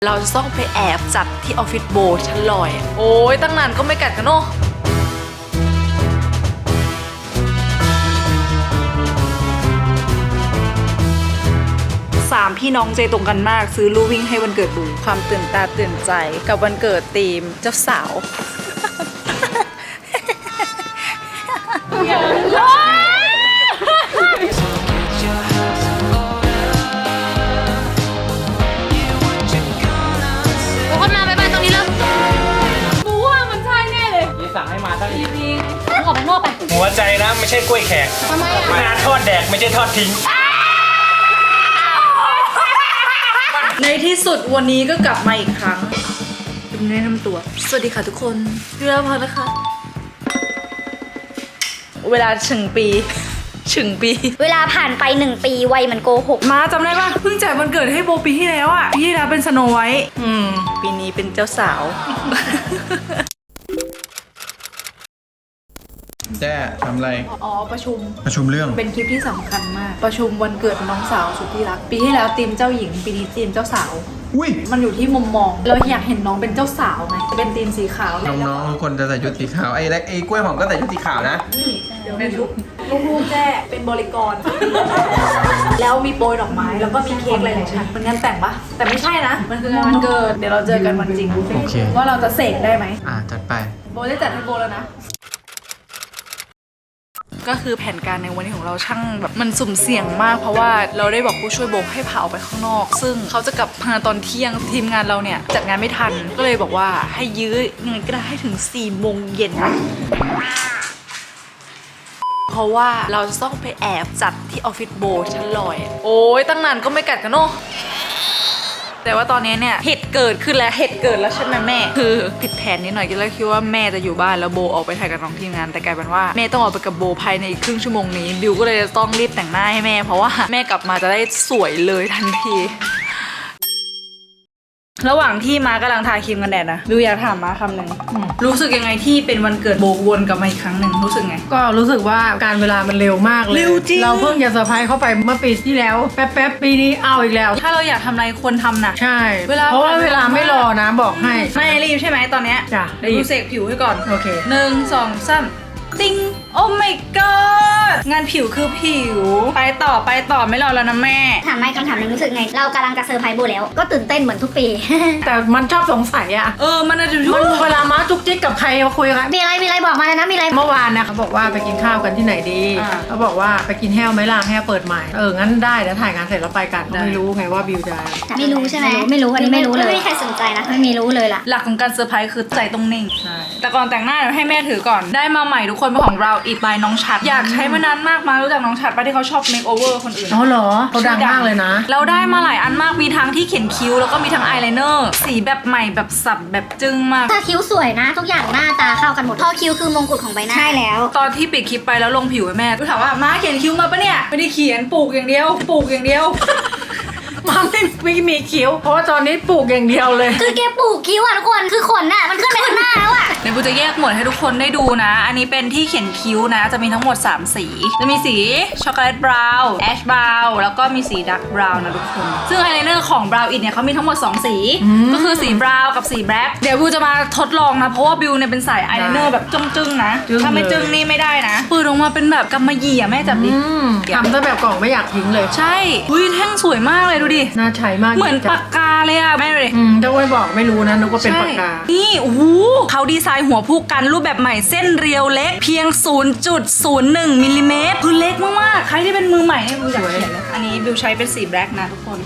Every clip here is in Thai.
เราจะต้องไปแอบจัดที่ออฟฟิศโบชั้นลอยโอ้ยตั้งนานก็ไม่กัดกันเนาะ3พี่น้องใจตรงกันมากซื้อลู่วิ่งให้วันเกิดบูความตื่นตาตื่นใจกับวันเกิดธีมเจ้าสาวสั่งให้มาตั้งออกไปนอกไปหัวใจนะไม่ใช่กล้วยแขกทำไมอ่ะงานทอดแดกไม่ใช่ทอดทิ้งในที่สุดวันนี้ก็กลับมาอีกครั้งเป็นแนะนำตัวสวัสดีค่ะทุกคนพี่ราพรนะคะเวลาฉึงปีเวลาผ่านไป1 ปีวัยมันโกหกมาจำได้ปะเพิ่งจ่ายวันเกิดให้โบปีที่แล้วอ่ะปีที่แล้วเป็นสโนไวท์ปีนี้เป็นเจ้าสาวแจ้ทำอะไรอ๋อประชุมเรื่องเป็นคลิปที่สำคัญมากประชุมวันเกิดน้องสาวสุดที่รักปีที่แล้วทีมเจ้าหญิงปีนี้ทีมเจ้าสาวอุ้ยมันอยู่ที่มุมมองเราอยากเห็นน้องเป็นเจ้าสาวไงเป็นทีมสีขาวน้องๆทุกคนจะใส่ชุดสีขาวไอ้เล็กไอ้กล้วยหอมก็ใส่ชุดสีขาวนะเดี๋ยวเป็นลูกแจ้เป็นบริกรแล้วมีโปรยดอกไม้แล้วก็มีเค้กหลายๆชั้นเป็นงานแต่งปะแต่ไม่ใช่นะมันคืองานวันเกิดเดี๋ยวเราเจอกันวันจริงโอเคว่าเราจะเสกได้ไหมจัดไปโบได้จัดให้โบแล้วนะก็คือแผนการในวันนี้ของเราช่างแบบมันสุ่มเสี่ยงมากเพราะว่าเราได้บอกผู้ช่วยโบให้พาออกไปข้างนอกซึ่งเขาจะกลับมาตอนเที่ยงทีมงานเราเนี่ยจัดงานไม่ทันก็เลยบอกว่าให้ยื้อยังไงก็ได้ให้ถึง4 โมงเย็นเพราะว่าเราจะต้องไปแอบจัดที่ออฟฟิศโบชั้นลอยโอ้ยตั้งนานก็ไม่กัดกันเนาะแต่ว่าตอนนี้เนี่ยเหตุเกิดขึ้นแล้วเหตุเกิดแล้วใช่ไหมแม่คือผิดแผนนิดหน่อยก็เลยคิดว่าแม่จะอยู่บ้านแล้วโบออกไปถ่ายกับน้องทีมงานแต่กลายเป็นว่าแม่ต้องออกไปกับโบภายในครึ่งชั่วโมงนี้บิวก็เลยต้องรีบแต่งหน้าให้แม่เพราะว่าแม่กลับมาจะได้สวยเลยทันทีระหว่างที่มากำลังทาครีมกันแดดนะบิวอยากถามมาคำหนึ่งรู้สึกยังไงที่เป็นวันเกิดโบวนกลับมาอีกครั้งหนึ่งรู้สึกไงก็รู้สึกว่าการเวลามันเร็วมากเลยเร็วจริงเราเพิ่งจะเซอร์ไพรส์เข้าไปเมื่อปีที่แล้วแป๊บปีนี้เอาอีกแล้วถ้าเราอยากทำอะไรควรทำนะใช่เพราะว่าเวลาไม่รอนะบอกให้ไม่รีบใช่ไหมตอนเนี้ยจ้ะเดี๋ยวดูเสกผิวให้ก่อนโอเค 1 2 3ติ้งโอ้ my god งานผิวคือผิวไปต่อไม่รอแล้วนะแม่ถามไม่คำถามนึงรู้สึกไงเรากำลังจะเซอร์ไพรส์โบแล้วก็ตื่นเต้นเหมือนทุกปีแต่มันชอบสงสัยอ่ะมันอาจจะมันเวลามาจุกจิกกับใครมาคุยกันมีอะไรบอกมาเลยนะมีอะไรเมื่อวานนะเขาบอกว่าไปกินข้าวกันที่ไหนดีเขาบอกว่าไปกินแห้วไหมล่ะแห้วเปิดใหม่งั้นได้แล้วถ่ายงานเสร็จแล้วไปกันไม่รู้ไงว่าบิวจะไม่รู้ใช่ไหมไม่รู้อันนี้ไม่รู้เลยไม่มีใครสนใจนะไม่มีรู้เลยล่ะหลักของการเซอร์ไพรส์คือใจต้องนิ่งแต่ก่อนแต่งหน้าให้แม่ถือก่อนได้มาใหม่ทุกคนเป็นของเราอีกใบน้องชัดอยากใช้มานานมากมารู้จักน้องชัดป่ะที่เขาชอบเมคโอเวอร์คนอื่นเหรอเขาดังมากเลยนะเราได้มาหลายอันมากมีทั้งที่เขียนคิ้วแล้วก็มีทั้งอายไลเนอร์สีแบบใหม่แบบสับแบบจึ้งมากถ้าคิ้วสวยนะทุกอย่างหน้าตาเข้ากันหมดเพราะคิ้วคือมงกุฎของใบหน้าใช่แล้วตอนที่ปิดคลิปไปแล้วลงผิวแม่ถามว่าม้าเขียนคิ้วมาปะเนี่ยไม่ได้เขียนปลูกอย่างเดียวมาไม่มีคิ้วเพราะว่าตอนนี้ปลูกอย่างเดียวเลยคือแกปลูกคิ้วอ่ะทุกคนคือขนน่ะมันขึ้นไปข้างหน้าแล้วอ่ะเดี๋ยวบูจะแยกหมวดให้ทุกคนได้ดูนะอันนี้เป็นที่เขียนคิ้วนะจะมีทั้งหมด3สีจะมีสีช็อกโกแลตบราวน์แอชบราวน์แล้วก็มีสีดักบราวน์นะทุกคนซึ่งอายไลเนอร์ของบราวน์อินเนี่ยเขามีทั้งหมด2สีก็คือสีบราวน์กับสีแบล็คเดี๋ยวบูจะมาทดลองนะเพราะว่าบิวเนี่ยเป็นสายอายไลเนอร์แบบจึ้งๆนะถ้าไม่จึ้งนี่ไม่ได้นะเปิดออกมาเป็นแบบกำมะหยี่อะแม่จับดิทำซะแบบกล่องไม่อยากทิ้งเลยใช่แท่งสวยมากเลยดูดิน่าใช้มากเหมือนปากกาเลยอะแม่เลยถ้าไว้บอกไม่รู้นะนึกว่าเป็นปากกานี่เขาดีไซน์หัวผู้กันรูปแบบใหม่เส้นเรียวเล็กเพียง 0.01 มิลลิเมตรคือเล็กมากๆใครที่เป็นมือใหม่เนี่ยบิวอยากเขียนเลยอันนี้บิวใช้เป็นสีแบล็คนะทุกคน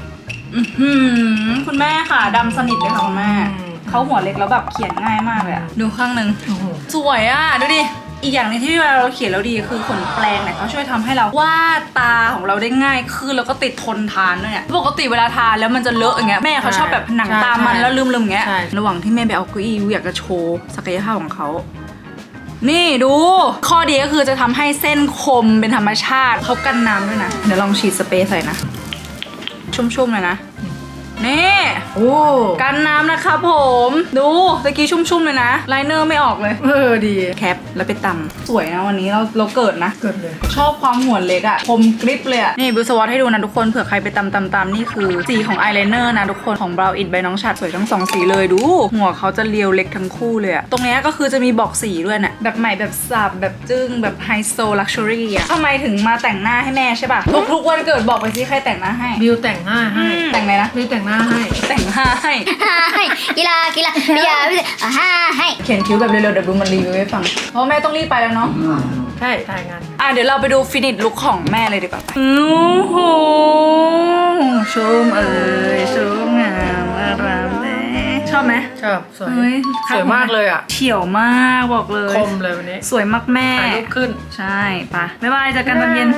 คุณแม่ค่ะดำสนิทเลยค่ะคุณแม่เขาหัวเล็กแล้วแบบเขียนง่ายมากเลยอะดูข้างนึงสวยอะดูดิอีกอย่างนึงที่เวลาเราเขียนแล้วดีคือขนแปรงเนี่ยเขาช่วยทำให้เราวาดตาของเราได้ง่ายขึ้นแล้วก็ติดทนทานด้วยเนี่ยปกติเวลาทานแล้วมันจะเลอะอย่างเงี้ยแม่เขาชอบแบบหนังตามันแล้วลืมอย่างเงี้ยระหว่างที่แม่ไปเอาเก้าอี้อยากจะโชว์ศักยภาพของเขานี่ดูข้อดีก็คือจะทำให้เส้นคมเป็นธรรมชาติเขากันน้ำด้วยนะเดี๋ยวลองฉีดสเปรย์ใส่นะชุ่มๆเลยนะนี่โอ้กันน้ำนะครับผม ดูตะกี้ชุ่มๆเลยนะไลเนอร์ไม่ออกเลยดีแคปแล้วไปตำสวยนะวันนี้เราเกิดนะเกิดเลยชอบความหัวเล็กอะคมกริบเลยอะนี่บิวสวอตให้ดูนะทุกคนเผื่อใครไปตำนี่คือสีของอายไลเนอร์นะทุกคนของ Brow It by น้องฉัดสวยทั้ง2สีเลยดูหัวเขาจะเรียวเล็กทั้งคู่เลยอะตรงนี้ก็คือจะมีบอกสีด้วยนะแบบใหม่แบบสับแบบจึ้งแบบไฮโซลักชัวรี่อะทำไมถึงมาแต่งหน้าให้แม่ใช่ป่ะทุกวันเกิดบอกไปสิใครแต่งหน้าให้บิวแต่งหน้าให้แต่งไหนนะบิวแต่งหน้าให้แต่งหน้าให้ให้กีฬาไม่ใช่ให้เขียนคิ้วแบบเร็วๆเดี๋ยวบิวมันรีวิวให้ฟังเพราะแม่ต้องรีบไปแล้วเนาะใช่ถ่ายงานเดี๋ยวเราไปดูฟินิชลุคของแม่เลยดีกว่าโอ้โหชมชมงามอารามเลยชอบไหมชอบสวยเฮ้ยสวยมากเลยอ่ะเฉียวมากบอกเลยคมเลยวันนี้สวยมากแม่ถ่ายรูปขึ้นใช่ปะบ๊ายบายเจอกันตอนเย็น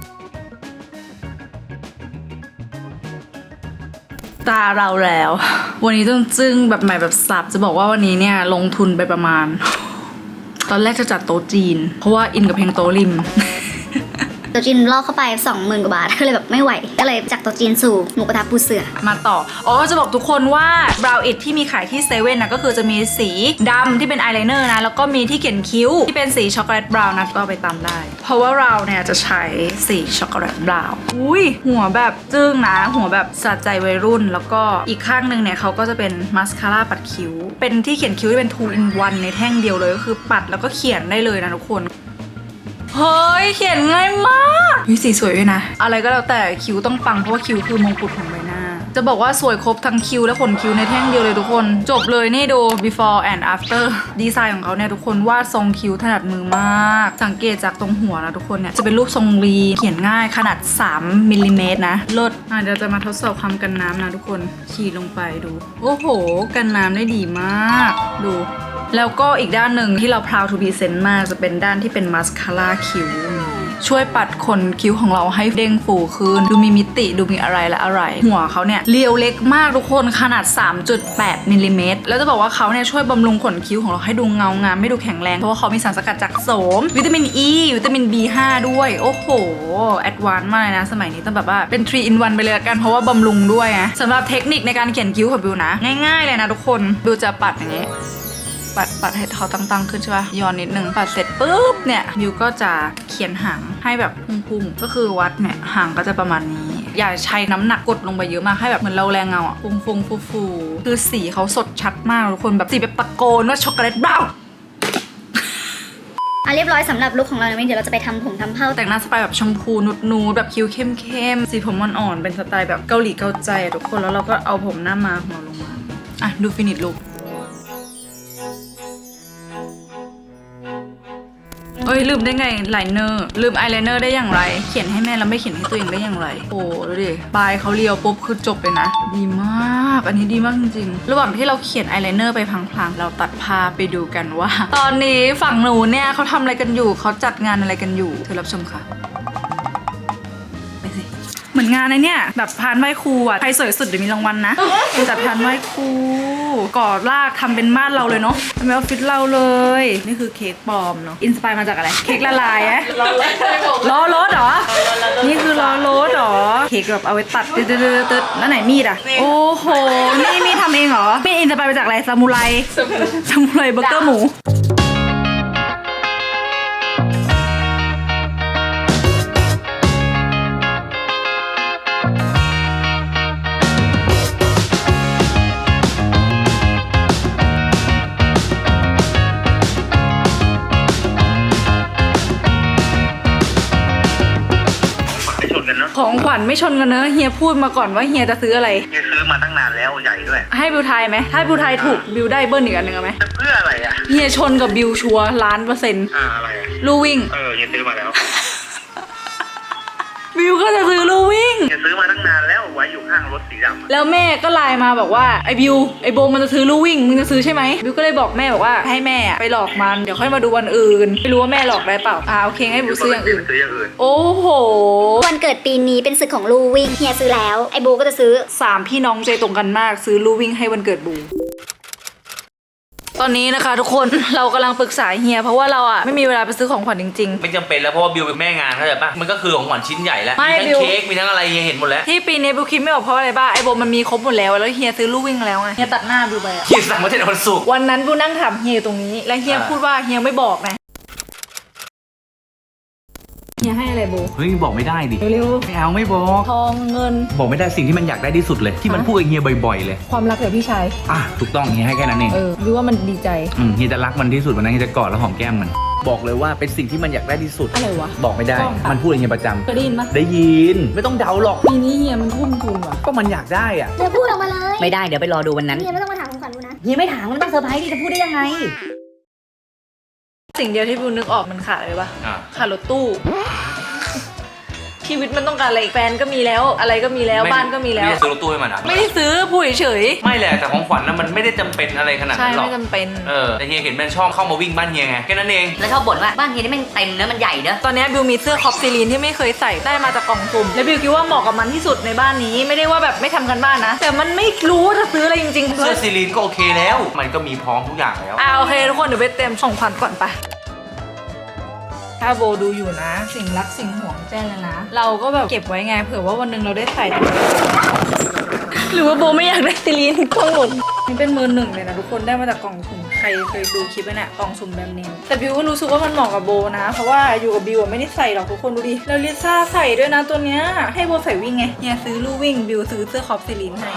ตาเราแล้ว วันนี้ต้องจึ้งแบบใหม่แบบสับจะบอกว่าวันนี้เนี่ยลงทุนไปประมาณ ตอนแรกจะจัดโต๊ะจีน เพราะว่าอินกับเพลงโต๊ะริมตัวจีนล่อเข้าไป 20,000 กว่าบาท ก็เลยแบบไม่ไหว ก็เลยจากตัวจีนสู่หมูกระทะปูเสือมาต่อ จะบอกทุกคนว่า Brow It ที่มีขายที่เซเว่นนะก็คือจะมีสีดำที่เป็นอายไลเนอร์นะ แล้วก็มีที่เขียนคิ้วที่เป็นสีช็อกโกแลตบราวน์นะก็เอาไปตามได้ เพราะว่าเราเนี่ยจะใช้สีช็อกโกแลตบราวน์อุ้ยหัวแบบจึ้งนะ หัวแบบสะใจวัยรุ่น แล้วก็อีกข้างหนึ่งเนี่ยเขาก็จะเป็นมาสคาร่าปัดคิ้ว เป็นที่เขียนคิ้วที่เป็น 2 in 1 ในแท่งเดียวเลยก็คือปัดแล้วก็เขียนได้เลยนะทุกคน เฮ้ยเขียนง่ายมากสีสวยด้วยนะ อะไรก็แล้วแต่คิ้วต้องปังเพราะว่าคิ้วคือมงกุฎของใบหน้า จะบอกว่าสวยครบทั้งคิ้วและขนคิ้วในแท่งเดียวเลยทุกคน จบเลยนี่ดู before and after ดีไซน์ของเขาเนี่ยทุกคนวาดทรงคิ้วถนัดมือมาก สังเกตจากตรงหัวนะทุกคนเนี่ยจะเป็นรูปทรงรีเขียนง่ายขนาด3มิลลิเมตรนะเลิศเดี๋ยวจะมาทดสอบความกันน้ำนะทุกคนฉีดลงไปดูโอ้โหกันน้ำได้ดีมากดูแล้วก็อีกด้านหนึ่งที่เรา proud to present มากจะเป็นด้านที่เป็นมาสคาร่าคิ้วช่วยปัดขนคิ้วของเราให้เด้งฟูขึ้นดูมีมิติดูมีอะไรและอะไรหัวเขาเนี่ยเรียวเล็กมากทุกคนขนาด 3.8 มิลลิเมตรแล้วจะบอกว่าเขาเนี่ยช่วยบำรุงขนคิ้วของเราให้ดูเงางามไม่ดูแข็งแรงเพราะว่าเขามีสารสกัดจากโสมวิตามิน E วิตามิน B5 ด้วยโอ้โหแอดวานซ์มากเลยนะสมัยนี้ต้องแบบว่าเป็น 3 in 1 ไปเลยละกันเพราะว่าบำรุงด้วยนะสำหรับเทคนิคในการเขียนคิ้วของบิวนะง่ายๆเลยนะทุกคนบิวจะปัดอย่างนี้ปัดให้เขาตั้งๆขึ้นใช่ป่ะย้อนนิดนึงปัดเสร็จปุ๊บเนี่ยบิวก็จะเขียนหางให้แบบพุ่งๆก็คือวัดเนี่ยหางก็จะประมาณนี้อย่าใช้น้ำหนักกดลงไปเยอะมากให้แบบเหมือนเราแรงเงาอะฟุ้งๆฟูๆคือสีเขาสดชัดมากทุกคนแบบสีแบบตะโกนว่าช็อกโกแลตบราวน์เรียบร้อยสำหรับลุคของเราเดี๋ยวเราจะไปทำผมทำเผ้าแต่งหน้าสไตล์แบบชมพูนูดๆแบบคิ้วเข้มๆสีผมอ่อนๆเป็นสไตล์แบบเกาหลีเกาใจทุกคนแล้วเราก็เอาผมหน้ามาหัวลงมาดูฟินิชลุคลืมได้ไงไลเนอร์ลืมอายไลเนอร์ได้อย่างไรเขียนให้แม่แล้วไม่เขียนให้ตัวเองได้อย่างไรโอ้ดูดิปลายเขาเรียวปุ๊บคือจบเลยนะดีมากอันนี้ดีมากจริงๆระหว่างที่เราเขียนอายไลเนอร์ไปพลางๆเราตัดภาพไปดูกันว่าตอนนี้ฝั่งหนูเนี่ยเขาทำอะไรกันอยู่เขาจัดงานอะไรกันอยู่เธอรับชมค่ะไปสิเหมือนงานเนี่ยแบบพานไหว้ครูใครสวยสุดเดี๋ยวมีรางวัลนะจัดพานไหว้ครูก่อลากทำเป็นม่านเราเลยเนาะทำเป็นออฟฟิศเราเลยนี่คือเค้กปลอมเนาะอินสปายมาจากอะไรเค้กละลายล้อรถเหรอนี่คือล้อรถเหรอเค้กแบบเอาไว้ตัดตึ๊ดแล้วไหนมีดโอ้โหนี่มีทำเองเหรอมีอินสปายมาจากอะไรซามูไรเบอร์เกอร์หมูของขวัญไม่ชนกันเนอะเฮียพูดมาก่อนว่าเฮียจะซื้ออะไรเฮียซื้อมาตั้งนานแล้วใหญ่ด้วยให้บิวทายไหมถ้าบิวทายถูกบิวได้เบิ้ลอีกอันหนึ่งไหมเพื่ออะไรอ่ะเฮียชนกับบิวชัวร์1,000,000% อะไรลู่วิ่งเฮียซื้อมาแล้วบิวก็จะซื้อลู่วิ่งเฮียซื้อมาตั้งนานแล้วไว้อยู่ข้างรถสีดำแล้วแม่ก็ไลน์มาบอกว่าไอ้บิวไอ้โบมันจะซื้อลู่วิ่งมึงจะซื้อใช่ไหมบิวก็เลยบอกแม่บอกว่าให้แม่ไปหลอกมันเดี๋ยวค่อยมาดูวันอื่นไม่รู้ว่าแม่หลอกได้เปล่าโอเคให้บิวซื้ออย่างอื่นโอ้โหวันเกิดปีนี้เป็นศึกของลูวิ่งเฮียซื้อแล้วไอ้บูก็จะซื้อ 3พี่น้องใจตรงกันมากซื้อลู่วิ่งให้วันเกิดบูตอนนี้นะคะทุกคนเรากำลังปรึกษาเฮียเพราะว่าเราอะไม่มีเวลาไปซื้อของขวัญจริงไม่จำเป็นแล้วเพราะว่าบิวเป็นแม่งานเข้าใจปะมันก็คือของขวัญชิ้นใหญ่แล้วไม่มีทั้บิงวเค้กมีทั้งอะไรเฮียเห็นหมดแล้วๆที่ปีนี้บิวคิดไม่ออกเพราะอะไรบ้างไอโบมันมีครบหมดแล้วแล้วเฮียซื้อลู่วิ่งแล้วไงเฮียตัดหน้าบิวไปอะเฮียสั่งมาตั้งแต่วันศุกร์วันนั้นบิวนั่งถามเฮียอยู่ตรงนี้แล้วเฮียพูดว่าเฮียไม่บอกนะเฮียให้อะไรโบเฮ้ยบอกไม่ได้ดิเร็วไม่เอาไม่บอกๆทองเงินบอกไม่ได้สิ่งที่มันอยากได้ที่สุดเลย ที่มันพูดกับเฮียบ่อยๆเลยความรักกับพี่ชายอ่ะถูกต้องเฮียให้แค่นั้นเองบิวว่ามันดีใจเฮียจะรักมันที่สุดวันนั้นเฮียจะกอดแล้วหอมแก้มมัน บอกเลยว่าเป็นสิ่งที่มันอยากได้ที่สุดอะไรวะบอกไม่ได้กล้องมันพูดกับเฮียประจำเคยได้ยินปะได้ยินไม่ต้องเดาหรอกปีนี้เฮียมันทุ่มทุนว่ะก็มันอยากได้อ่ะเดี๋ยวพูดออกมาเลยไม่ได้เดี๋ยวไปรอดูวันนั้นเฮียไม่ต้องมาถามของขวัญดูนะเฮียไม่ถามมันต้องเซอร์ไพรส์ดิจะพูดได้ยังไงสิ่งเดียวที่บิวนึกออกมันขาดอะไรปะอ่ะขาดรถตู้ ชีวิตมันต้องการอะไรอีกแฟนก็มีแล้ว อะไรก็มีแล้วบ้านก็มีแล้วไม่ได้ซื้อรถตู้ให้มันอ่ะไม่ได้ซื้อพูดเฉยไม่แหละแต่ของขวัญนะมันไม่ได้จำเป็นอะไรขนาดๆใช่นั้นหรอกไม่จำเป็นแต่เฮียเห็นมันชอบเข้ามาวิ่งบ้านเฮียไงแค่นั้นเองแล้วชอบบ่นว่าบ้านเฮียนี่แม่งเต็มเนอะมันใหญ่เนอะตอนนี้บิวมีเสื้อคอปซีลีนที่ไม่เคยใส่ได้มาจากกล่องสุ่มและบิวคิดว่าเหมาะกับมันที่สุดในบ้านนี้ไม่ได้ว่าแบบไม่ทำกันบ้านนะ แต่มันไม่รู้ว่าจะซื้ออะไรจริงๆเสื้อซีลีนก็โอเคแล้ว มันก็มีพร้อมทุกอย่างแล้วโอเคทุกคนเดี๋ยวไปเตรียมของขวัญก่อนไปถ้าโบดูอยู่นะ สิ่งรักสิ่งห่วงแจ้งเลยนะ เราก็แบบเก็บไว้ไงเผื่อว่าวันหนึงเราได้ใส่ หรือว่าโบไม่อยากได้ซีลีนกล่องหมดนี่เป็นมือหนึ่งเลยนะทุกคนได้มาจากกล่องสุ่มใครเคยดูคลิปไหมเนี่ยกล่องสุ่มแบบนี้แต่บิวก็รู้สึกว่ามันเหมาะกับโบนะ เพราะว่าอยู่กับบิวอะไม่ได้ใส่หรอกทุกคนดูดิแล้วลิซ่าใส่ด้วยนะตัวเนี้ยให้โบใส่วิ่งไงเนี่ยซื้อลู่วิ่งบิวซื้อเสื้อคอปซีลีนให้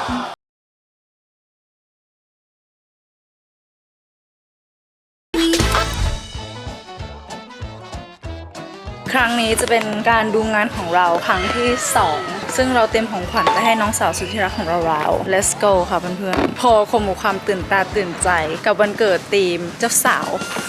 ครั้งนี้จะเป็นการดูงานของเราครั้งที่ 2 ซึ่งเราเตรียมของขวัญไปให้น้องสาวสุดที่รักของเรา Let's go ค่ะเพื่อนๆพอคมกับความตื่นตาตื่นใจกับวันเกิดธีมเจ้าสาว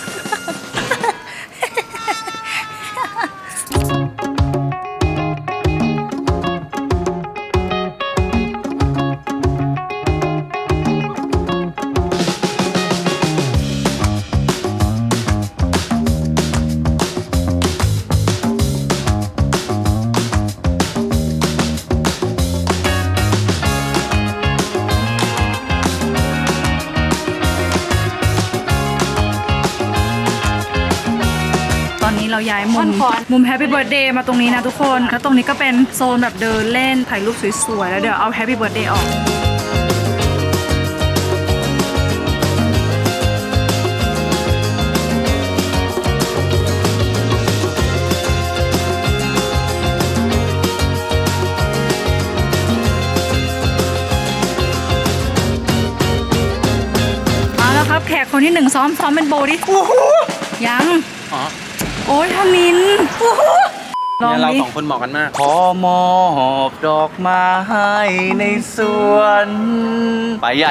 ตอนนี้เราย้ายมุมแฮปปี้เบิร์ดเดย์มาตรงนี้นะทุกคนแล้วตรงนี้ก็เป็นโซนแบบเดินเล่นถ่ายรูปสวยๆแล้วเดี๋ยวเอาแฮปปี้เบิร์ดเดย์ออกมาแล้วครับแขกคนที่1ซ้อมเป็นโบดิโอ้โหยังอ๋อโอ้ยทามินลองเนี่ยเราดิสองคนเหมาะกันมากขอมอบดอกไม้ในสวนไปใหญ่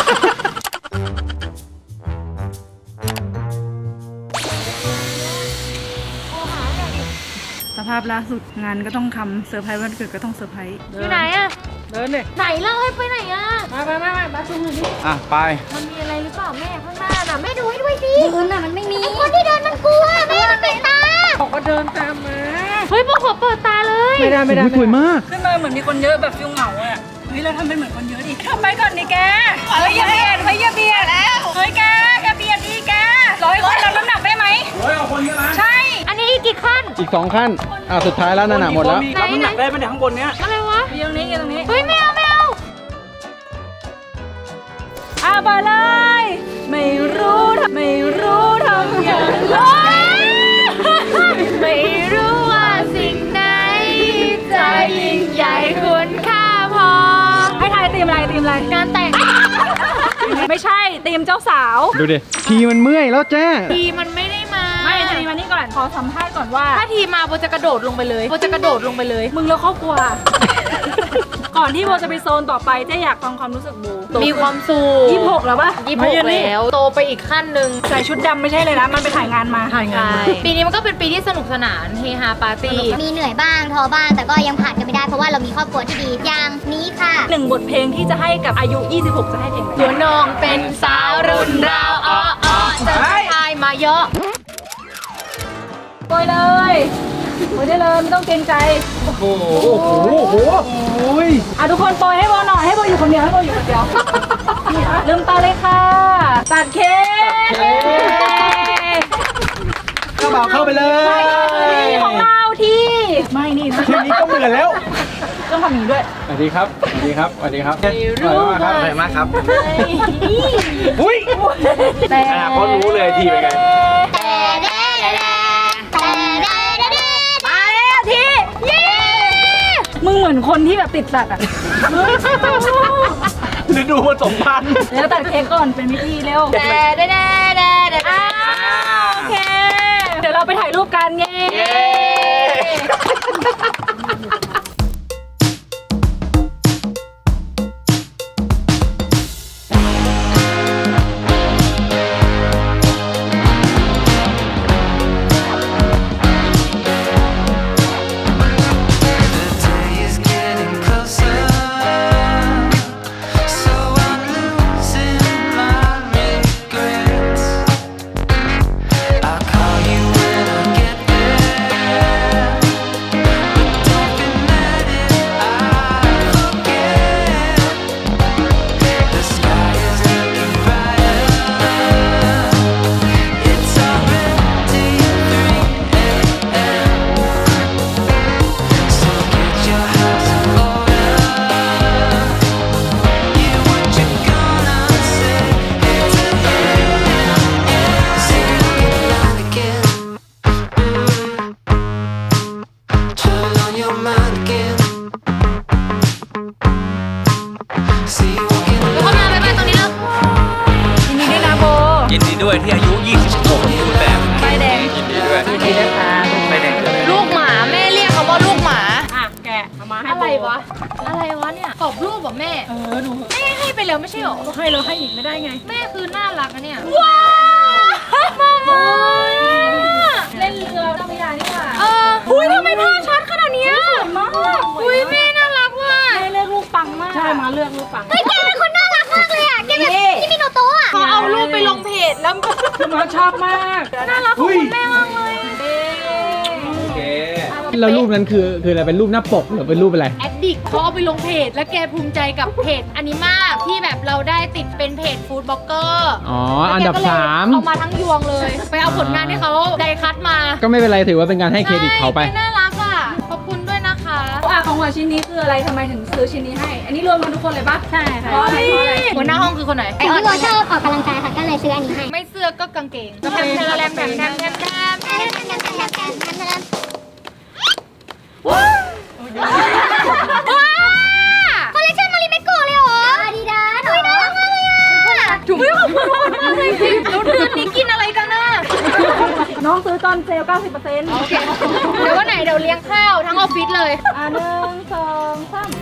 สภาพล่าสุดงานก็ต้องทำเซอร์ไพรส์วันเกิดก็ต้องเซอร์ไพรส์อยู่ไหนอะเดินเลยไหนเล่าให้ไปไหนอะมาชุมหน่อยดิอ่ะ ไปมันมีอะไรหรือเปล่าแม่ข้างหน้าน่ะแม่ดูให้ด้วยสิเดินน่ะมันไม่มีไอคนที่เดินมันกลัวแม่มันปิดตาบอกว่าเดินตามมาเฮ้ยโบขอเปิดตาเลยไม่ได้ไม่ได้สวยมากขึ้นมาเหมือนมีคนเยอะแบบฟิลเหงาอ่ะเฮ้ยเราทำเป็นเหมือนคนเยอะดิทำไปก่อนดิแกเฮ้ยอย่าเบียดเฮ้ยอย่าเบียดแล้วเฮ้ยแกอย่าเบียดดิแก100 คนรับน้ำหนักได้ไหม100 คนใช่ไหมใช่อันนี้อีกกี่ขั้นอีก 2 ขั้น สุดท้ายแล้วนั่นน่ะหมดแล้วไหนไหนได้ไหมเนี่ยข้างบนเนี้ยอะไรวะยืนตรงนี้ยืนตรงนี้เฮ้ยไม่เอาไปเลย ไม่รู้ทำอย่างไรไม่รู้ว่าสิ่งไหนจะยิ่งใหญ่คุณค่าพอให้ทายธีมอะไรงานแต่งไม่ใช่ธีมเจ้าสาวดูดิ ทีมันเมื่อยแล้วแจ้ทีมันไม่ได้มาไม่ทีมานี่ก่อนขอสัมภาษณ์ก่อนว่าถ้าทีมาโบจะกระโดดลงไปเลยโบจะกระโดดลงไปเลยมึงแล้วครอบครัว ก่อนที่โบจะไปโซนต่อไปเจ๊อยากฟังความรู้สึกโบมีความสุข 26แล้วปะ 26แล้ว โตไปอีกขั้นหนึ่งใส่ชุดดำไม่ใช่เลยนะ มันไปถ่ายงานมาถ่ายงานใช่มาปีนี้มันก็เป็นปีที่สนุกสนานเฮฮาปาร์ตี้มีเหนื่อยบ้างท้อบ้าง แต่ก็ยังผ่านกันไม่ได้เพราะว่าเรามีครอบครัวที่ดีอย่างนี้ค่ะ 1 บทเพลงที่จะให้กับอายุ 26 จะให้เพลงอะไรตัวน้องเป็นสาวรุ่นราวอ้อจะชายมาเยอะโวยเลยโอ้ยได้เลยไม่ต้องเกรงใจโอ้โหยอ่ะทุกคนปล่อยให้โบหน่อยให้โบอยู่คนเดียวให้โบอยู่คนเดียวลืมตาเลยค่ะตัดเค้กกระเป๋าเข้าไปเลยที่ของเราที่ไม่นี่ทีนี้ก็เหมือนแล้วต้องทำอย่างนี้ด้วยสวัสดีครับ สวัสดีครับ สวัสดีครับอร่อยมากครับ อุ้ยแต่เขารู้เลยทีเป็นไงมาแล้วทีเย้มึงเหมือนคนที่แบบติดสัตว์อ่ะฤดูผสมพันธุ์แล้วตัดเค้กก่อนเป็นพิธีเร็วอ้าวโอเค เดี๋ยวเราไปถ่ายรูปกันเย้ยินดีด้วยที่อายุ 26คุณแบบใบแดงยินดีด้วยยินดีนะคะใบแดงคืออะไรลูกหมาแม่เรียกเขาว่าลูกหมาอ่ะแกะเอามาให้อะไรโบวะ อะไรวะเนี่ยกรอบรูปเหรอแม่หนูแม่ให้ไปแล้วไม่ใช่หรอให้เราให้อีกไม่ได้ไงแม่คือน่ารักนะเนี่ย ว้าวมามาเล่นเรือเจ้าพระยานี่ค่ะอุ้ยทำไมผ้าชัดขนาดเนี้ยสวยมากอุ้ยแม่น่ารักว่ะให้เลือกลูกปังมากใช่มาเลือกรูปปังเฮ้ยแกเป็นคนน่ารักมากเลยอ่ะแกแบบที่มีโนโตะอ่ะเขาเอารูปไปลงเพจแล้วคือมาชอบมากน่ารักของคุณแม่มากเลยโอเคแล้วรูปนั้นคืออะไรเป็นรูปหน้าปกหรือเป็นรูปอะไรแอดดิกเขาเอาไปลงเพจ แล้วแกภูมิใจกับเพจอนิมาที่แบบเราได้ติดเป็นเพจฟู้ดบล็อกเกอร์อ๋อ อันดับเอามาทั้งยวงเลย ไปเอาผลงานที่เขาไดคัดมา 3 ก็ไม่เป็นไรถือว่าเป็นการให้เครดิตเขาไปใช่น่ารักอ่ะ ขอบคุณด้วยนะคะของขวัญชิ้นนี้คืออะไรทำไมถึงซื้อชิ้นนี้ให้ อันนี้รวมกันทุกคนเลยปะใช่ค่ะเพราะอะไรหัวหน้าห้องคือคนไหนไอออนชอบออกกำลังกายค่ะก็เลยซื้ออันนี้ให้ไม่เสื้อก็กางเกงแถมแถมแถมแถมแถมแถมแถมคอลเลคชันมาริเมโกะเลยเหรออาดิดาสน่ารักมากเลยอ่ะถูกไม่ขอบคุณมากเลยพี่แล้วเดือนนี้กินอะไรกันน่ะน้องซื้อตอนเซลล์ 90% โอเค เดี๋ยววันไหนเดี๋ยวเลี้ยงข้าวทั้งออฟฟิศเลย 1 2 3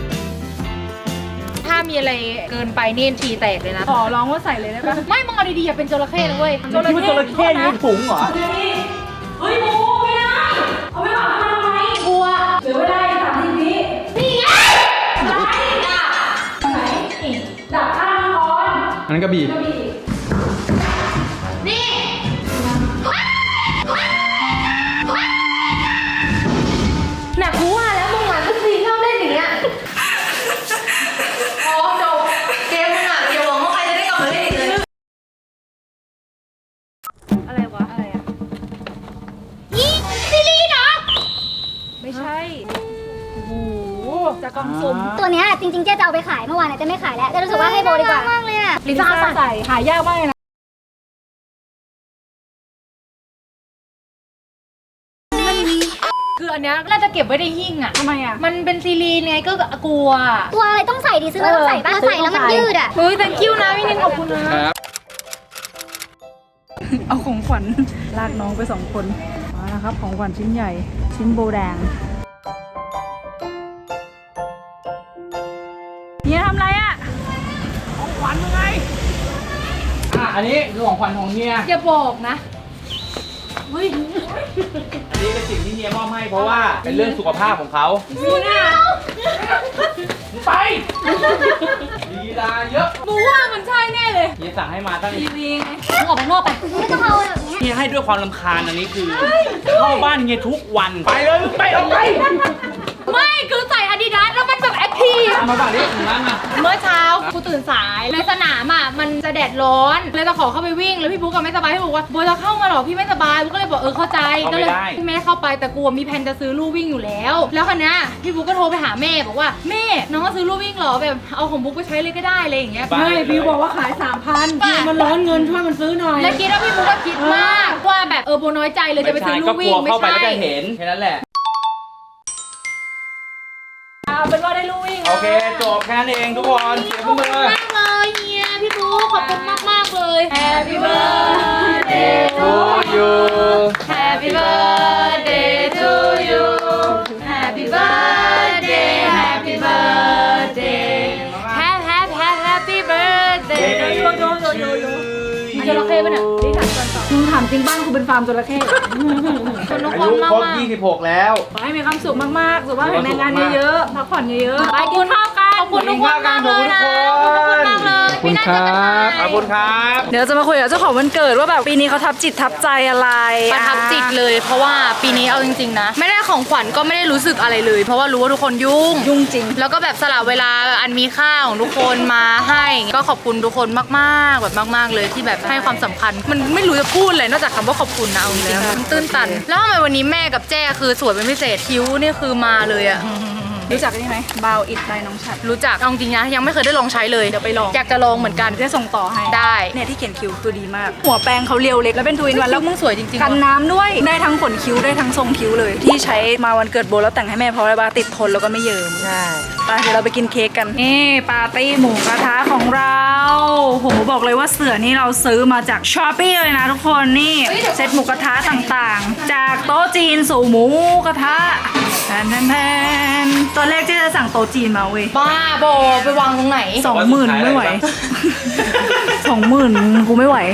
ถ้ามีอะไรเกินไปนี่ทีแตกเลยนะขอร้องว่าใส่เลยได้ปะไม่มึงเอาดีๆอย่าเป็นจระเข้นะเว้ยจระเข้จระเข้อยู่ในถุงเหรอเฮ้ยโมไม่ได้ เอาไปวางทำไมกลัวเหลือเวลาอีก30 วินี่ไงไหนอีกดับข้างก่อนอันนั้นก็บีบหนักกูว่าแล้วมึงอ่ะทุกทีชอบเล่นอย่างเงี้ยอ๋อจบเกมมึงอ่ะอย่าหวังว่าใครจะได้กลับมาเล่นอีกเลยอะไรวะ อะไรอ่ะนี่ซีรีส์เนาะไม่ใช่ โอ้โหจากกล่องสุ่มตัวเนี้ยจริงๆเจ๊จะเอาไปขายเมื่อวานเนี่ยจะไม่ขายแล้วจะรู้สึกว่าให้โบดีกว่ามากเลยอ่ะลิซ่าใส่หายากมากเลยนะคืออันเนี้ยน่าจะเก็บไว้ในหิ้งอ่ะทำไมอ่ะมันเป็นซีรีส์ไงก็กลัวตัวอะไรต้องใส่ดีซื้อแล้วต้องใส่ป่ะใส่แล้วมันยืดอ่ะเฮ้ย thank you นะพี่นินขอบคุณนะเอาของขวัญลากน้องไป2 คนมาแล้วครับ ของขวัญชิ้นใหญ่ ชิ้นโบแดงเนี่ยทำไรอ่ะอันนี้คือของขวัญของเฮียอย่าบอกนะอันนี้เป็นสิ่งที่เฮียมอบให้เพราะว่าเป็นเรื่องสุขภาพของเขาไปลีลาเยอะหนูว่ามันใช่แน่เลยนี่สั่งให้มาตั้งพี่วิงมึงออกไปข้างนอกไปไม่ต้องเอาแบบนี้นี่ให้ด้วยความรำคาญอันนี้คือเข้าบ้านเฮียทุกวันไปเลยไปออกไปไม่คือใส่อาดิดาสแล้วมันแบบแอคทีฟมาบ้านนี้ถึงร้านมาเมื่อเช้ากูตื่นสายในสนามอ่ะมันจะแดดร้อนเลยจะขอเข้าไปวิ่งแล้วพี่บุ๊กก็ไม่สบายพี่บุ๊กว่าโบจะเข้ามาหรอพี่ไม่สบายบุ๊กก็เลยบอกเข้าใจก็เลยพี่แม่เข้าไปแต่กลัวมีแผนจะซื้อลู่วิ่งอยู่แล้วแล้วคันนี้พี่บุ๊กก็โทรไปหาแม่บอกว่าแม่น้องก็ซื้อลู่วิ่งหรอแบบเอาของบุ๊กไปใช้เลยก็ได้อะไรอย่างเงี้ยใช่บิวบอกว่าขาย 3,000มันร้อนเงินช่วยมันซื้อหน่อยแล้วคิดว่าพี่บุ๊กก็คิดมากว่าแบบโบน้อยใจเลยจะไปซื้อก็ลู่กวิ่ลังวไม่เข้าไปใช่แล้วจะเห็นแค่นั้นแหละเอาเป็นว่าได้ลู่วิ่งโอเคจบแค่นั้นเองทุกคนเสียงมือมากเลยเฮียพี่บุ๊กขอบคุณมากๆเลย Happy birthday to you Happy birthday to you Happy birthday Happy birthday Happy birthday มีจระเข้ป่ะเนี่ยนี่ถามก่อนต่อมึงถามจริงบ้านกูเป็นฟาร์มจระเข้คนทุกอาคยุนมากครบมาก 26 แล้วขอให้มีความสุขมากๆ สุขภาพแข็งแรงงานเยอะๆ พักผ่อนเยอะๆไปกินข้าวกันขอบคุณทุกคนมากเลยนะขอบคุณมากเลยขอบคุณครับขอบคุณครับเดี๋ยวจะมาคุยกับเจ้าของวันเกิดว่าแบบปีนี้เขาทับจิตทับใจอะไรประทับจิตเลยเพราะว่าปีนี้เอาจริงๆนะไม่ได้ของขวัญก็ไม่ได้รู้สึกอะไรเลย เพราะว่ารู้ว่าทุกคนยุ่งยุ่งจริงแล้วก็แบบสละเวลาอันมีค่าของทุกคนมาให้ก็ขอบคุณทุกคนมากๆแบบมากๆเลยที่แบบให้ความสำคัญ มันไม่รู้จะพูดเลยนอกจากคำว่าขอบคุณนะเอาจริงๆมันตื้นตัน แล้วทำไมวันนี้แม่กับแจ้คือสวยเป็นพิเศษคิ้วนี่คือมาเลยอะรู้จักนี่ไหมบาวอิดไดน้องฉัดรู้จักเอาจริงนะยังไม่เคยได้ลองใช้เลยเดี๋ยวไปลองอยากจะลองเหมือนกันจะส่งต่อให้ได้เนี่ยที่เขียนคิ้วคือดีมาก หัวแปรงเขาเรียวเล็กแล้วเป็นทูอินวันแล้แล้ว วมึงสวยจริงๆกันว่ะน้ำด้วยได้ทั้งขนคิ้วได้ทั้งทรงคิ้วเลย ที่ใช้มาวันเกิดโบแล้วแต่งให้แม่เพราะอะไรบ้างติดทนแล้วก็ไม่เยิ้มใช่ไปเดี๋ยวเราไปกินเค้กกันนี่ปาร์ตี้หมูกระทะของเราโหบอกเลยว่าเสือนี่เราซื้อมาจากช้อปปี้เลยนะทุกคนนี่เซตหมูกระทะต่างๆ จากโต๊ะจีนสู่หมูกระทะแทนตอนแรกเจ๊จะสั่งโต๊ะจีนมาเว้ยบ้าโบไปวางตรงไหน 20,000ไม่ไหว 20,000กูไม่ไหว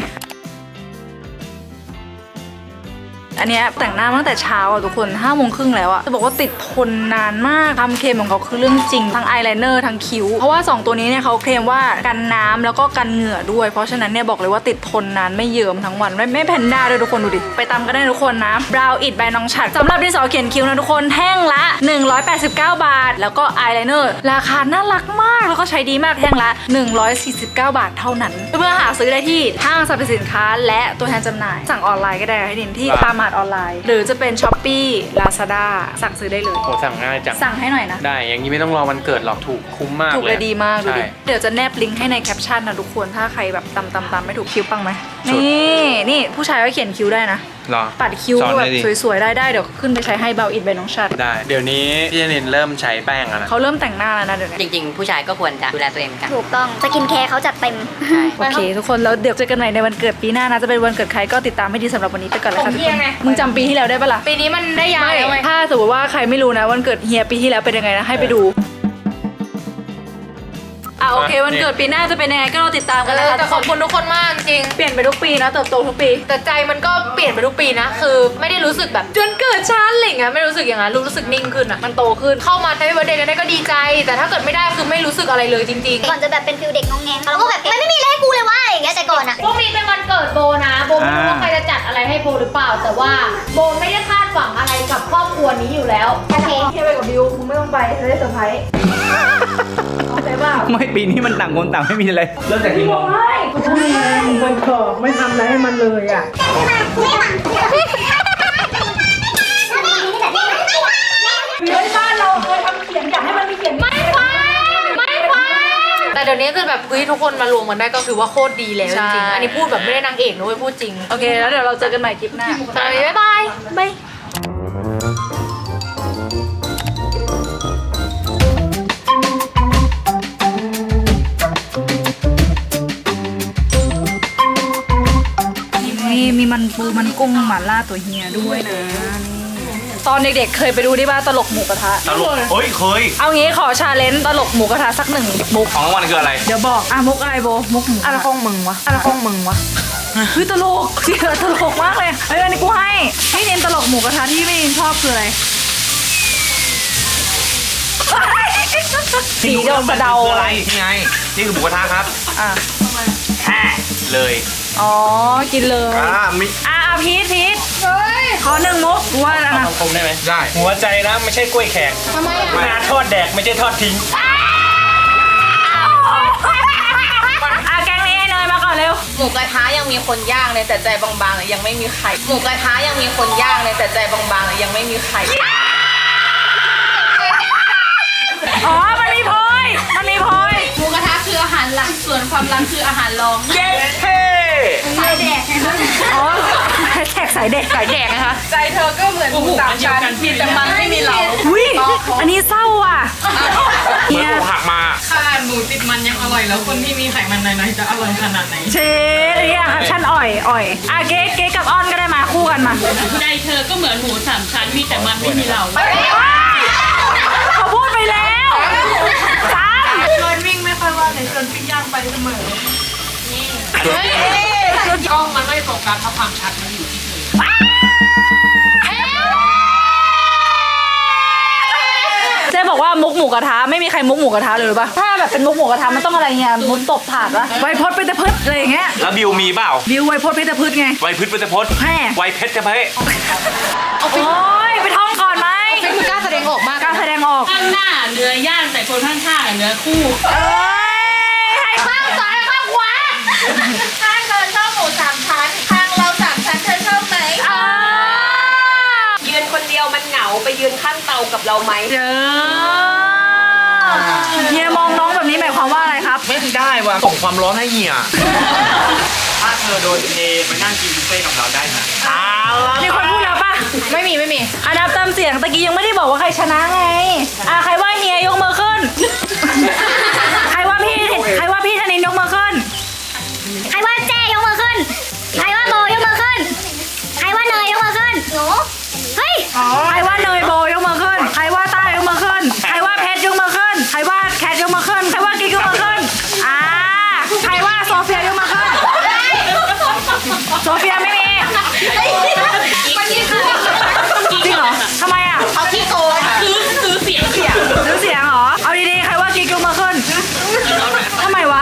อันเนี้ยแต่งหน้ามาตั้งแต่เช้าอ่ะทุกคน5:30แล้วอ่ะจะบอกว่าติดทนนานมากทำเคลมของเขาคือเรื่องจริงทั้งอายไลเนอร์ทั้งคิ้วเพราะว่า2ตัวนี้เนี่ยเขาเคลมว่ากันน้ำแล้วก็กันเหงื่อด้วยเพราะฉะนั้นเนี่ยบอกเลยว่าติดทนนานไม่เยิ้มทั้งวันไม่แพนด้าด้วยทุกคนดูดิไปตามกันได้ทุกคนนะ Brow It by น้องฉัดสำหรับดินสอเขียนคิ้วนะทุกคนแท่งละ189 บาทแล้วก็อายไลเนอร์ราคาน่ารักมากแล้วก็ใช้ดีมากแท่งละ149 บาทเท่านั้นเพื่อหาซื้อได้ที่ห้างสรรพสินค้าและตัวแทนจำหน่ายสั่งออนไลน์ก็ได้ให้ดินที่ตามหาดออนไลน์หรือจะเป็น Shopee Lazada สั่งซื้อได้เลยโหสั่งง่ายจังสั่งให้หน่อยนะได้ อย่างนี้ไม่ต้องรอวันเกิดหรอกถูกคุ้มมากถูกเลยดีมากดูดิใช่เดี๋ยวจะแนบลิงก์ให้ในแคปชั่นนะทุกคนถ้าใครแบบตำไม่ถูกคิ้วปังไหมสุดนี่ผู้ชายก็เขียนคิ้วได้นะหรอปัดคิ้วสอนแบหน่บอยดิสวยๆได้เดี๋ยวขึ้นไปใช้ให้เบาอิดใบน้องชัดได้ เดี๋ยวนี้พี่เจนินเริ่มใช้แป้งแล้วนะเขาเริ่มแต่งหน้าแล้วนะเดี๋ยวนี้จริงๆ ผู้ชายก็ควรจะดูแลตัวเองเหมือนกันถูกต้องสกินแคร์เขาจัดเต็มใช่โอเคทุกคนแล้วเดี๋ยวเจอกันใหม่ในวันเกิดปีหน้านะจะเป็นวันเกิดใครก็ติดตามให้ดีสำหรับวันนี้ไปก่อนเลยค่ะของทุกเฮีคยนไงมึงจำปีที่แล้วได้ปะล่ะปีนี้มันได้ยาวแล้วเว้ยถ้าสมมติว่าใครไม่รู้นะวันเกิดเฮียปีที่แล้วเป็นยังไงนะให้ไปดูโอเควันเกิดปีหน้าจะเป็นยังไงก็รอติดตามกันนะคะแต่ขอบคุณทุกคนมากจริงเปลี่ยนไปทุกปีนะเติบโตทุกปีแต่ใจมันก็เปลี่ยนไปทุกปีนะ คือไม่ได้รู้สึกแบบจนเกิดชั้นอะไรเงี้ยไม่รู้สึกอย่างนั้นรู้สึกนิ่งขึ้นอะมันโตขึ้นเข้ามาในวันเดย์กันได้ก็ดีใจ แต่ถ้าเกิดไม่ได้คือไม่รู้สึกอะไรเลยจริงก่อนจะแบบเป็นฟิลเด็กงงแงงแล้วก็แบบมันไม่มีอะไรให้กูเลยว่าอะไรอย่างเงี้ยแต่ก่อนอะๆพวกนี้เป็นวันเกิดโบนะโบไม่รู้ว่าใครจะจัดอะไรให้โบหรือเปล่า แต่ว่าโบไม่ได้คาดหวังอะไรกับครอบครัวนี้อยู่แล้วโอเคเฮียไปกับบิวมึงไม่ต้องไปจะได้เซอร์ไพรส์โอเคเปล่าไม่ปีนี้มันต่างคนต่างไม่มีอะไรเริ่มจากกี่โมงมันขอบไม่ทำอะไรให้มันเลยอ่ะเฮ้ยบ้านเราเคยทำเขียนอยากให้มันมีเขียนไม่ฟังแต่เดี๋ยวนี้คือแบบเฮ้ยทุกคนมารวมกันได้ก็คือว่าโคตรดีแล้วจริงๆอันนี้พูดแบบไม่ได้นางเอกนะเว้ยพูดจริงโอเคแล้วเดี๋ยวเราเจอกันใหม่คลิปหน้าบ๊ายบายบายนี่มีมันปูมันกุ้งหม่าล่าตัวเฮียด้วยนะนี่ตอนเด็กๆเคยไปดูที่บ้านตลกหมูกระทะตลกเฮ้ยเคยเอางี้ขอชาเลนจ์ตลกหมูกระทะสักหนึ่งมุกของรางวัลคืออะไรเดี๋ยวบอกมุกอะไรโบมุกหมูอะไรของมึงวะอะไรของมึงวะเฮ้ยตลกเสียตลกมากเลยเฮ้ยอันนี้กูให้พี่นินตลกหมูกระทะที่พี่นินชอบคืออะไรสีดอกสะเดาคืออะไรนี่ไง นี่คือหมูกระทะครับอ่ะเลยอ๋อ กินเลยมีพีทขอ1 มุกว่าอะไรนะคมได้ไหมได้ หัวใจนะไม่ใช่กล้วยแขกทำไมอ่ะมาทอดแดกไม่ใช่ทอดทิ้งแกงนี้ให้เนยมาก่อนเร็วหมูกระทะยังมีคนย่างเลยแต่ใจบางๆเลยยังไม่มีไข่หมูกระทะยังมีคนย่างเลยแต่ใจบางๆเลยยังไม่มีไข่อ๋อ มันมีโพยหมูกระทะคืออาหารหลักส่วนความรักคืออาหารรองเย้เท่สายแดกไงคะอ๋อแท็กสายเด็กนะคะใจเธอก็เหมือนหมูสามชั้นมีแต่มันไม่มีเราอุ้ยอันนี้เศร้าอ่ะเหมือนหักมาขนาดหมูติดมันยังอร่อยแล้วคนที่มีไขมันน้อยๆจะอร่อยขนาดไหนเชฟเนี่ยฉันอ่อยเก๊กับอ้อนก็ได้มาคู่กันมาใจเธอก็เหมือนหมูสามชั้นมีแต่มันไม่มีเราเขาพูดไปแล้วจ้าชวนวิ่งไม่ค่อยว่าเลยชวนปิ้งย่างไปเสมอกล้องมันไม่โฟกัสเพราะความชัดมันอยู่ที่เธอเจ๊บอกว่ามุกหมูกระทะไม่มีใครมุกหมูกระทะเลยหรือปะถ้าแบบเป็นมุกหมูกระทะมันต้องอะไรเงี้ยมุกตบถาดวะไวพจน์เป็นตะพืชอะไรอย่างเงี้ยแล้วบิวมีเปล่าบิวไวพจน์เป็นตะพืชไงไวพืชเป็นตะพดแม่ไวเพชรจะเพชรโอ้ยไปท่องก่อนไหมเป็นคือกล้าแสดงออกมากกล้ารแสดงออกข้างหน้าเนื้อย่างแต่คนข้างๆเนื้อคู่เอ้ยให้ข้างซ้ายข้างขวาถ้าเธอชอบหมูสามชั้นทางเราสามชั้นเธอชอบไหม ยืนคนเดียวมันเหงาไปยืนข้างเตากับเราไหมเจอเฮียมองน้องแบบนี้หมายความว่าอะไรครับไม่ได้ว่ะส่งความร้อนให้เหี่ยถ้าเธอโดนเทไปนั่งกินบุฟเฟ่ต์กับเราได้นะเอาละมีคนพูดแล้วปะไม่มีอันดับเติมเสียงตะกี้ยังไม่ได้บอกว่าใครชนะไงใครว่าเฮียยกมือขึ้น ใครว่าพี่ธนินยกมือขึ้นใครว่าเจยกมือขึ้น ใครว่าโบยกมือขึ้น ใครว่าเนยยกมือขึ้น หนู เฮ้ยใครว่าเนยโบยกมือขึ้น ใครว่าต้ายกมือขึ้น ใครว่าเพชรยกมือขึ้น ใครว่าแคทยกมือขึ้น ใครว่ากิ๊กยกมือขึ้น ใครว่าโซเฟียยกมือขึ้น โซเฟียไม่มีมันนี่คือจริงเหรอทำไมอ่ะเขาที่โกนซื้อเสียงซื้อเสียงเหรอ เอาดีๆ ใครว่ากิ๊กยกมือขึ้นทำไมวะ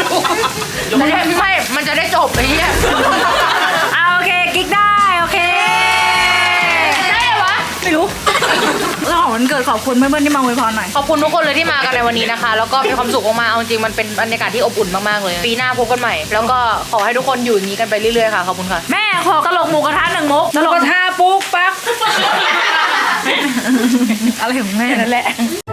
มันจะได้จบไปเนี่ยโอเคกิ๊กได้ โอเคได้เหรอวะไม่รู้เรื่องของวันเกิดขอบคุณเพื่อนๆที่มาอวยพรหน่อยขอบคุณทุกคนเลยที่มากันในวันนี้นะคะ แล้วก็มีความสุขมากๆเอาจริงมันเป็นบรรยากาศที่อบอุ่นมากๆเลย ปีหน้าพบกันใหม่ แล้วก็ขอให้ทุกคนอยู่อย่างนี้กันไปเรื่อยๆค่ะ ขอบคุณค่ะแม่ขอตลกหมูกระทะ1 มุกตลกกระทะปุ๊กปั๊กอะไรของแม่นั่นแหละ